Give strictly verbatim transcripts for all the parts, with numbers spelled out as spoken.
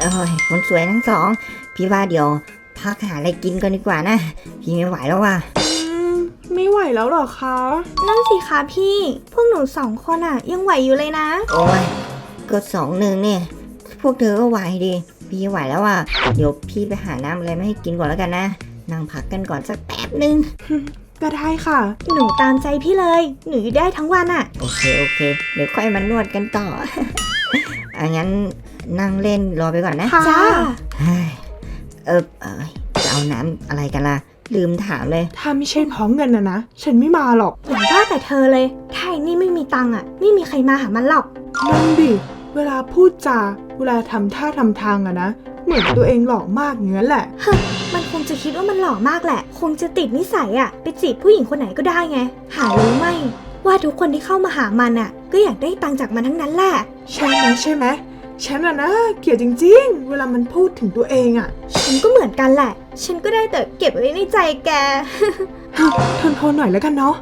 อ้ยคนสวยทั้งสองพี่ว่าเดี๋ยวพักหาอะไรกินกันดีกว่านะพี่ไม่ไหวแล้วว่ะไม่ไหวแล้วหรอคะนั่นสิคะพี่พวกหนูสองคนอะยังไหวอยู่เลยนะโอ้ยก็สองหนึ่งเนี่ยพวกเธอก็ไหวดิพี่ไหวแล้วว่ะเดี๋ยวพี่ไปหาน้ำอะไรมาให้กินก่อนแล้วกันนะนั่งพักกันก่อนสักแป๊บนึงก็ได้ค่ะหนูตามใจพี่เลยหนูอยู่ได้ทั้งวันอะโอเคโอเคเดี๋ยวค่อยมานวดกันต่อ อ่ะงั้นนั่งเล่นรอไปก่อนนะจ้าเออเออจะเอาน้ำอะไรกันล่ะลืมถามเลยถ้าไม่ใช่เพราะเงินนะนะฉันไม่มาหรอกอย่าว่าแต่เธอเลยถ้าไอ้นี่ไม่มีตังค์อะไม่มีใครมาหามันหรอกนั่นดิเวลาพูดจาเวลาทำท่าทำทางอะนะเหมือนตัวเองหล่อมากอย่างนั้นแหละมันคงจะคิดว่ามันหล่อมากแหละคงจะติดนิสัยอะไปจีบผู้หญิงคนไหนก็ได้ไงหารู้ไหมว่าทุกคนที่เข้ามาหามันอะก็อยากได้ตังค์จากมันทั้งนั้นแหละใช่ไหมใช่ไหมฉันอะนะเกลียดจริงๆเวลามันพูดถึงตัวเองอะฉันก็เหมือนกันแหละฉันก็ได้แต่เก็บไว้ในใจแกทนทนหน่อยแล้วกันเนาะ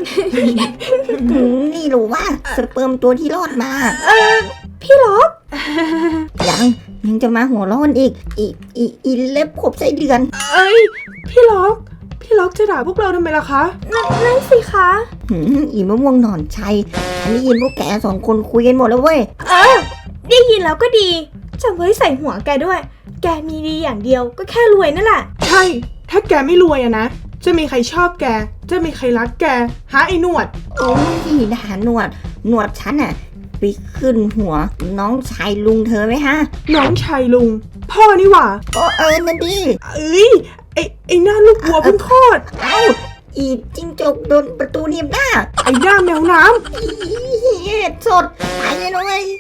นี่รู้ว่าสเปิร์มตัวที่รอดมาเออพี่ล็อกยังยังจะมาหัวร้อนอีกอีอีอีเล็บขบไส้เดือนเอ้ยพี่ล็อกพี่ล็อกจะด่าพวกเราทำไมล่ะคะนั่นสิคะอีมะม่วงหนอนชัยฉันได้ยินพวกแกสองคนคุยกันหมดแล้วเว้ยเออได้ยินแล้วก็ดีจำไว้ใส่หัวแกด้วยแกมีดีอย่างเดียวก็แค่รวยนั่นแหละใช่ถ้าแกไม่รวยอะนะจะมีใครชอบแกจะมีใครรักแกหาไอ้หนวดโอ้ยด่าหนวดหนวดฉันอะไปขึ้นหัวน้องชายลุงเธอไหมฮะน้องชายลุงพ่อนี่หว่าโอ้เออนั่นดิเอ้ยไอไอหน้าลูกวัวเพิ่งคลอดเอ้าอีจิ้งจกโดนประตูหนีบหน้าไอหน้าแมวน้ำเฮ็ดสดตายเลยนะเว้ย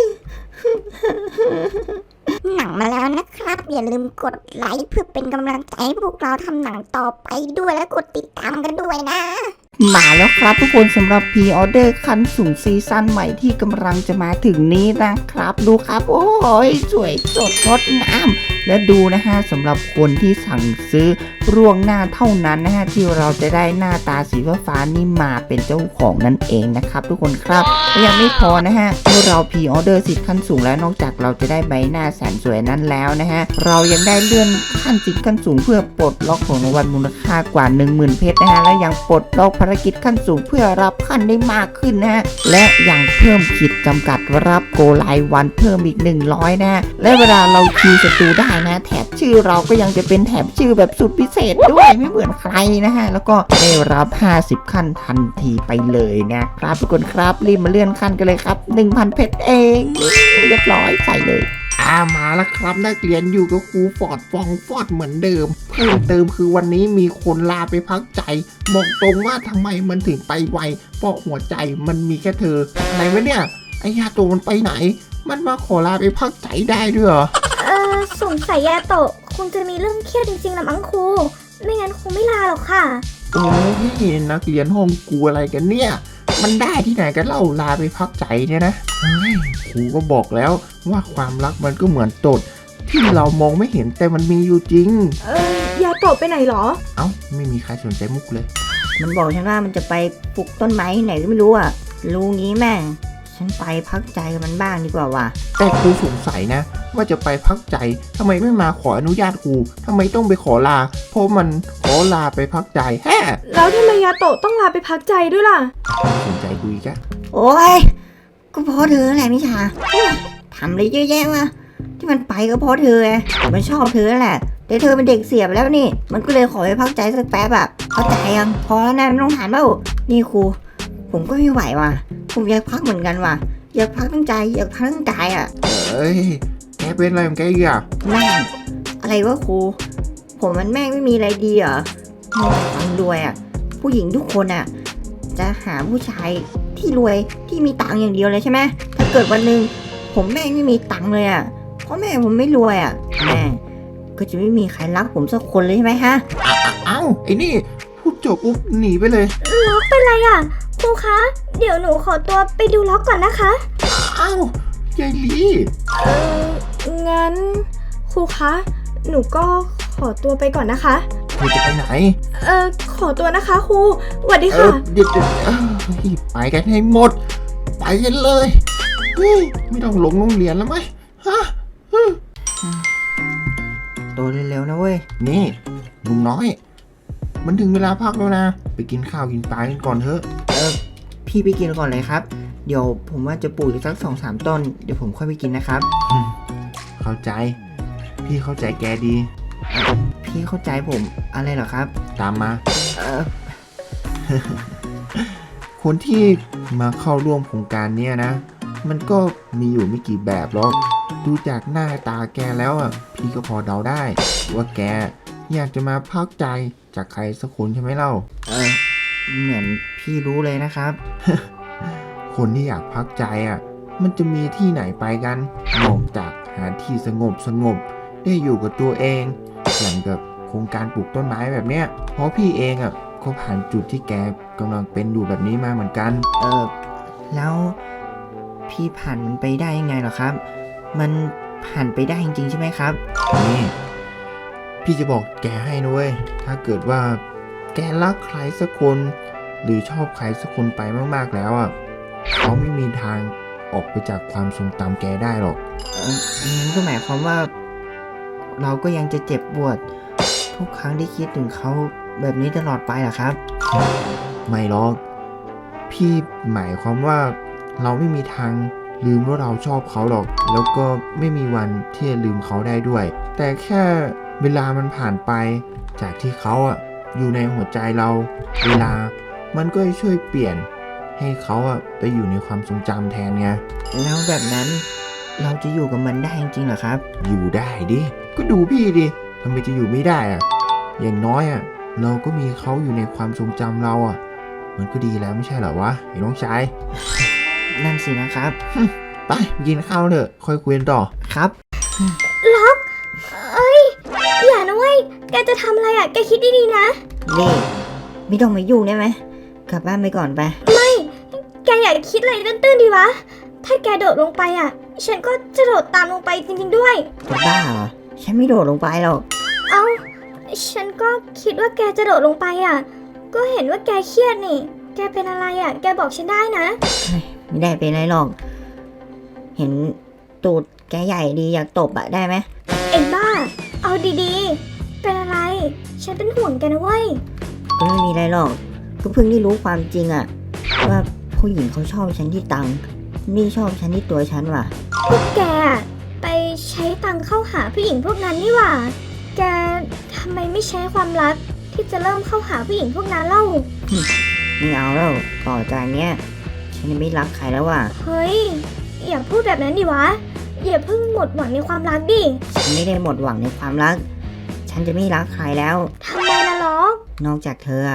หนังมาแล้วนะครับอย่าลืมกดไลค์เพื่อเป็นกำลังใจให้พวกเราทำหนังต่อไปด้วยและกดติดตามกันด้วยนะมาแล้วครับทุกคนสำหรับพรีออเดอร์คันสูงซีซั่นใหม่ที่กำลังจะมาถึงนี้นะครับดูครับโอ้ยสวยสดงดงามและดูนะฮะสำหรับคนที่สั่งซื้อล่วงหน้าเท่านั้นนะฮะที่เราจะได้หน้าตาสีฟ้านี่มาเป็นเจ้าของนั่นเองนะครับทุกคนครับยังไม่พอนะฮะเมื่อเราพรีออเดอร์สิทธิ์ขั้นสูงแล้วนอกจากเราจะได้ใบหน้าแสนสวยนั้นแล้วนะฮะเรายังได้เลื่อนขั้นสิทธิ์ขั้นสูงเพื่อปลดล็อกของรางวัลมูลค่ากว่า หนึ่งหมื่น เพชรนะฮะและยังปลดล็อกภารกิจขั้นสูงเพื่อรับขั้นได้มากขึ้นนะฮะและยังเพิ่มขีดจำกัดรับโกรายวันเพิ่มอีกหนึ่งร้อยนะฮะและเวลาเราคิวศัตรูได้นะแถบชื่อเราก็ยังจะเป็นแถบชื่อแบบสุดพิเศษด้วยไม่เหมือนใครนะฮะแล้วก็ได้รับห้าสิบขั้นทันทีไปเลยนะครับทุกคนครับรีบมาเลื่อนขั้นกันเลยครับ หนึ่งพัน เพชรเองเรียบร้อยใส่เลยอ่ามาแล้วครับนักเรียนอยู่กับครูฟอร์ดฟองฟอร์ดเหมือนเดิมเพิ่มเติมคือวันนี้มีคนลาไปพักใจบอกตรงว่าทำไมมันถึงไปไวเพราะหัวใจมันมีแค่เธออะไรวะเนี่ยไอ้ยาโตมันไปไหนมันมาขอลาไปพักใจได้ด้วยเหรอเออสงสัยยาโตะคงจะมีเรื่องเครียดจริงๆนะมั้งครูไม่งั้นคงไม่ลาหรอกค่ะโอ้ยนักเรียนห้องกูอะไรกันเนี่ยมันได้ที่ไหนกันเล่าลาไปพักใจเนี่ยนะครูก็บอกแล้วว่าความรักมันก็เหมือนตดที่เรามองไม่เห็นแต่มันมีอยู่จริงเออยาโตะไปไหนหรอเอ้าไม่มีใครสนใจมุกเลยมันบอกฉันว่ามันจะไปปลูกต้นไม้ที่ไหนก็ไม่รู้อ่ะรู้งี้แม่งฉันไปพักใจกับมันบ้างดีกว่าว่ะแต่ครูสงสัยนะว่าจะไปพักใจทำไมไม่มาขออนุญาตครูทำไมต้องไปขอลาเพราะมันขอลาไปพักใจแฮ่แล้วทำไมยาโตะต้องลาไปพักใจด้วยล่ะสนใจคุยกันโอ้ยก็เพราะเธอแหละมิชาทำอะไรเยอะแยะวะที่มันไปก็เพราะเธอไงมันชอบเธอแหละแต่เธอเป็นเด็กเสียไปแล้วนี่มันก็เลยขอไปพักใจสักแป๊บอะเข้าใจยังพอแล้วนะไม่ต้องถามแล้วนี่ครูผมก็ไม่ไหวว่ะผมอยากพักเหมือนกันว่ะอยากพักทั้งใจอยากพักทั้งกายอ่ะเอ้ยแกเป็นอะไรของแกอีกอ่ะแม่งอะไรวะครูผมมันแม่งไม่มีอะไรดีเหรอมีแต่ความรวยอ่ะผู้หญิงทุกคนอ่ะจะหาผู้ชายที่รวยที่มีตังค์อย่างเดียวเลยใช่ไหมถ้าเกิดวันหนึ่งผมแม่งไม่มีตังค์เลยอ่ะเพราะแม่ผมไม่รวยอ่ะแม่ก็จะไม่มีใครรักผมสักคนเลยใช่ไหมฮะอ้าวไอ้นี่พูดจบปุ๊บหนีไปเลยล็อกเป็นไรอ่ะครูคะเดี๋ยวหนูขอตัวไปดูล็อกก่อนนะคะอ้าวยายลีเอองั้นครูคะหนูก็ขอตัวไปก่อนนะคะครูจะไปไหนเออขอตัวนะคะครูสวัสดีค่ะเดี๋ยวไปกันให้หมดไปกันเลยไม่ต้องหลงโรงเรียนแล้วไหมฮะร็วนะเว้ยนี่ลุงน้อย มันถึงเวลาพักแล้วนะ ไปกินข้าวกินปลากันก่อนเถอะเออพี่ไปกินก่อนเลยครับ เดี๋ยวผมว่าจะปลูกอีกสักสองสามต้น เดี๋ยวผมค่อยไปกินนะครับเข้าใจ พี่เข้าใจแกดีพี่เข้าใจผมอะไรเหรอครับตามมาเออคนที่มาเข้าร่วมโครงการเนี้ยนะ มันก็มีอยู่ไม่กี่แบบหรอก ดูจากหน้าตาแกแล้วอ่ะ พี่ก็พอเดาได้ ว่าแกอยากจะมาพักใจจากใครสักคนใช่ไหมเล่าเออเหมือนพี่รู้เลยนะครับคนที่อยากพักใจอ่ะ มันจะมีที่ไหนไปกันนอกจากหาที่สงบสงบได้อยู่กับตัวเอง อย่างกับโครงการปลูกต้นไม้แบบเนี้ย เพราะพี่เองอ่ะก็ผ่านจุดที่แกกำลังเป็นอยู่แบบนี้มาเหมือนกันเออแล้วพี่ผ่านมันไปได้ยังไงเหรอครับ มันผ่านไปได้จริงๆใช่ไหมครับนี่พี่จะบอกแกให้นะเว้ย ถ้าเกิดว่าแกรักใครสักคน หรือชอบใครสักคนไปมากๆแล้วอ่ะเขาไม่มีทางออกไปจากความทรงจำแกได้หรอกเอองั้นก็หมายความว่า เราก็ยังจะเจ็บปวด ทุกครั้งที่คิดถึงเขาแบบนี้ตลอดไปเหรอครับไม่หรอก พี่หมายความว่าเราไม่มีทางลืมว่าเราชอบเขาหรอก แล้วก็ไม่มีวันที่จะลืมเขาได้ด้วย แต่แค่เวลามันผ่านไป จากที่เขาอ่ะอยู่ในหัวใจเรา เวลามันก็จะช่วยเปลี่ยนให้เขาอ่ะไปอยู่ในความทรงจำแทนไงแล้วแบบนั้นเราจะอยู่กับมันได้จริงๆเหรอครับอยู่ได้ดิ ก็ดูพี่ดิทำไมจะอยู่ไม่ได้อ่ะ อย่างน้อยอ่ะเราก็มีเขาอยู่ในความทรงจำเราอ่ะ มันก็ดีแล้วไม่ใช่เหรอวะไอ้น้องชายนั่นสินะครับไปกินข้าวเถอะค่อยคุยกันต่อครับล็อก เอ้ย อย่านะเว้ย แกจะทำอะไรอ่ะ แกคิดดีๆนะนี่ไม่ต้องมายุ่งได้ไหมกลับบ้านไปก่อนไปแกอย่าคิดอะไรตื้นๆดีวะ ถ้าแกโดดลงไปอ่ะ ฉันก็จะโดดตามลงไปจริงๆด้วยจะบ้าเหรอ ฉันไม่โดดลงไปหรอกเอ้า ฉันก็คิดว่าแกจะโดดลงไปอ่ะ ก็เห็นว่าแกเครียดนี่ แกเป็นอะไรอ่ะ แกบอกฉันได้นะไม่ได้เป็นไรหรอก เห็นตูดแกใหญ่ดีอยากตบอะได้ไหมเอ็งบ้า เอาดีๆ เป็นอะไร ฉันเป็นห่วงแกนะเว้ยก็ไม่มีอะไรหรอก ก็เพิ่งได้รู้ความจริงอะว่าผู้หญิงเขาชอบฉันที่ตังค์นี่ชอบฉันที่ตัวฉันว่ะพวกแกอะไปใช้ตังค์เข้าหาผู้หญิงพวกนั้นนี่หว่า แกทำไมไม่ใช้ความรักที่จะเริ่มเข้าหาผู้หญิงพวกนั้นเล่าไม่เอาแล้วต่อจากเนี้ยฉันจะไม่รักใครแล้วว่ะเฮ้ย อย่าพูดแบบนั้นดิวะ อย่าเพิ่งหมดหวังในความรักดิฉันไม่ได้หมดหวังในความรัก ฉันจะไม่รักใครแล้วทำไมล่ะล็อกนอกจากเธออะ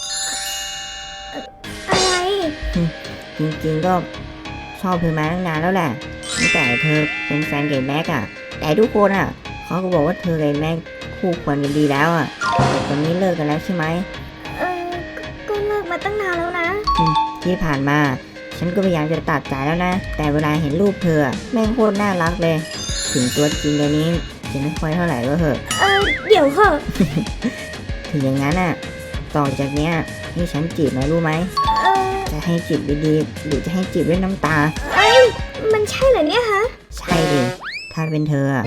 อะไรจริงๆก็ชอบเธอมาตั้งนานแล้วแหละตั้งแต่เธอเป็นแฟนกับแม็กอะแต่ทุกคนอะเขาก็บอกว่าเธอกับแม็กคู่ควรกันดีแล้วอะแต่ตอนนี้เลิกกันแล้วใช่ไหมเออก็ก็เลิกมาตั้งนานแล้วนะที่ผ่านมา ฉันก็พยายามจะตัดใจแล้วนะ แต่เวลาเห็นรูปเธออะแม่งโคตรน่ารักเลย ถึงตัวจริงเดี๋ยวนี้จะไม่ค่อยเท่าไหร่ก็เถอะเออเดี๋ยวเหอะถึงอย่างนั้นอะต่อจากเนี้ยให้ฉันจีบหน่อยรู้ไหมเออจะให้จีบดีๆหรือจะให้จีบด้วยน้ำตาเอ้ย มันใช่เหรอเนี่ยฮะใช่ดิถ้าเป็นเธออะ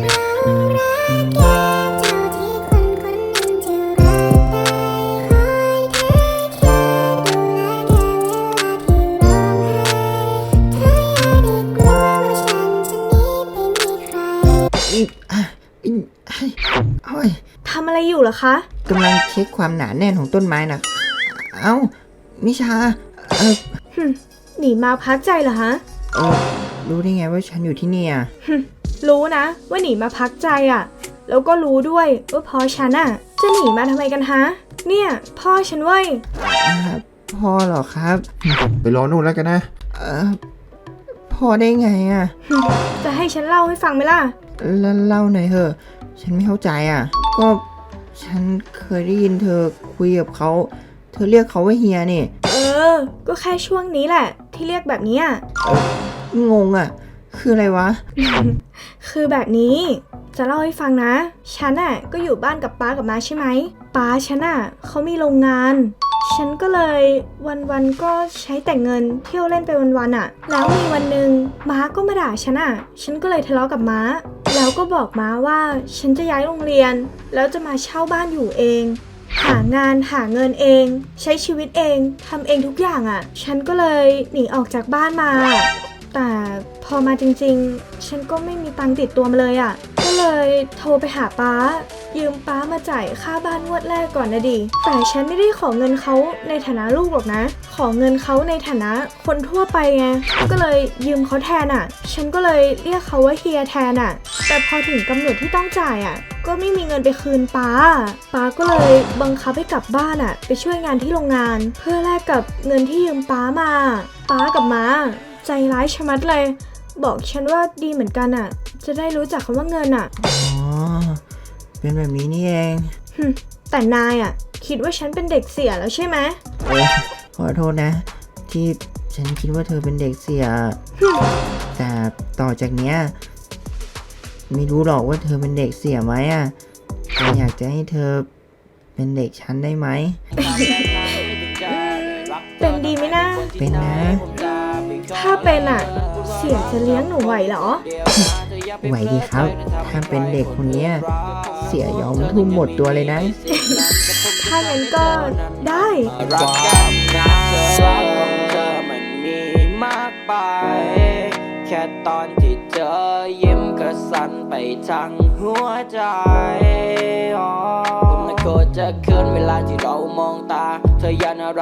อีอ่ะอีโอ้ยทำอะไรอยู่เหรอคะกำลังเช็คความหนาแน่นของต้นไม้นะเอ้ามิชา เออหนีมาพักใจเหรอฮะเออรู้ได้ไงว่าฉันอยู่ที่นี่อ่ะรู้นะว่าหนีมาพักใจอ่ะ แล้วก็รู้ด้วยว่าพ่อฉันอ่ะ จะหนีมาทำไมกันฮะ เนี่ย พ่อฉันเว้ยอ่าพ่อเหรอครับไปรอนู่นแล้วกันนะเออพ่อได้ไงอ่ะจะให้ฉันเล่าให้ฟังไหมล่ะแล้วเล่าหน่อยเถอะ ฉันไม่เข้าใจอ่ะ ก็ฉันเคยได้ยินเธอคุยกับเขา เธอเรียกเขาว่าเฮียนี่เออ ก็แค่ช่วงนี้แหละ ที่เรียกแบบนี้อ่ะงงอ่ะ คืออะไรวะคือแบบนี้ จะเล่าให้ฟังนะ ฉันอ่ะก็อยู่บ้านกับป้ากับน้าใช่ไหมป้าฉันอ่ะเขามีโรงงาน ฉันก็เลยวันๆก็ใช้แต่เงินเที่ยวเล่นไปวันๆอ่ะ แล้วมีวันหนึ่งม้าก็มาด่าฉันอ่ะ ฉันก็เลยทะเลาะกับม้าแล้วก็บอกม้าว่าฉันจะย้ายโรงเรียน แล้วจะมาเช่าบ้านอยู่เอง หางานหาเงินเอง ใช้ชีวิตเองทำเองทุกอย่างอะ่ะ ฉันก็เลยหนีออกจากบ้านมา แต่พอมาจริงๆ ฉันก็ไม่มีตังค์ติดตัวมาเลยอะ่ะ ก็เลยโทรไปหาป๊า ยืมป๊ามาจ่ายค่าบ้านงวดแรกก่อนนะดิ แต่ฉันไม่ได้ขอเงินเขาในฐานะลูกหรอกนะ ขอเงินเขาในฐานะคนทั่วไปไง ก็เลยยืมเขาแทนอ่ะ ฉันก็เลยเรียกเขาว่าเฮียแทนอ่ะ แต่พอถึงกำหนดที่ต้องจ่ายอ่ะ ก็ไม่มีเงินไปคืนป๊า ป๊าก็เลยบังคับให้กลับบ้านอ่ะ ไปช่วยงานที่โรงงาน เพื่อแลกกับเงินที่ยืมป๊ามา ป๊ากับม้าใจร้ายชะมัดเลย บอกฉันว่าดีเหมือนกันอ่ะ จะได้รู้จักคำว่าเงินอ่ะอ๋อ เป็นแบบนี้นี่เองหึแต่นายอ่ะ คิดว่าฉันเป็นเด็กเสียแล้วใช่ไหมเออขอโทษนะ ที่ฉันคิดว่าเธอเป็นเด็กเสีย แต่ต่อจากเนี้ยไม่รู้หรอกว่าเธอเป็นเด็กเสียไหมอ่ะแต่อยากจะให้เธอเป็นเด็กฉันได้ไหมเป็นดีไหมนะเป็นนะถ้าเป็นอ่ะ เสียจะเลี้ยงหนูไหวเหรอไหวดีครับ ถ้าเป็นเด็กคนเนี้ยเสียยอมทุ่มหมดตัวเลยนะถ้างั้นก็ได้รักกันนะเธอรักของเธอมันมีมากไป แค่ตอนที่เธอยิ้มก็สั่นไปทั้งหัวใจผมไม่โกรธจะคืนเวลาที่เรามองตาเธออย่าน่ารัก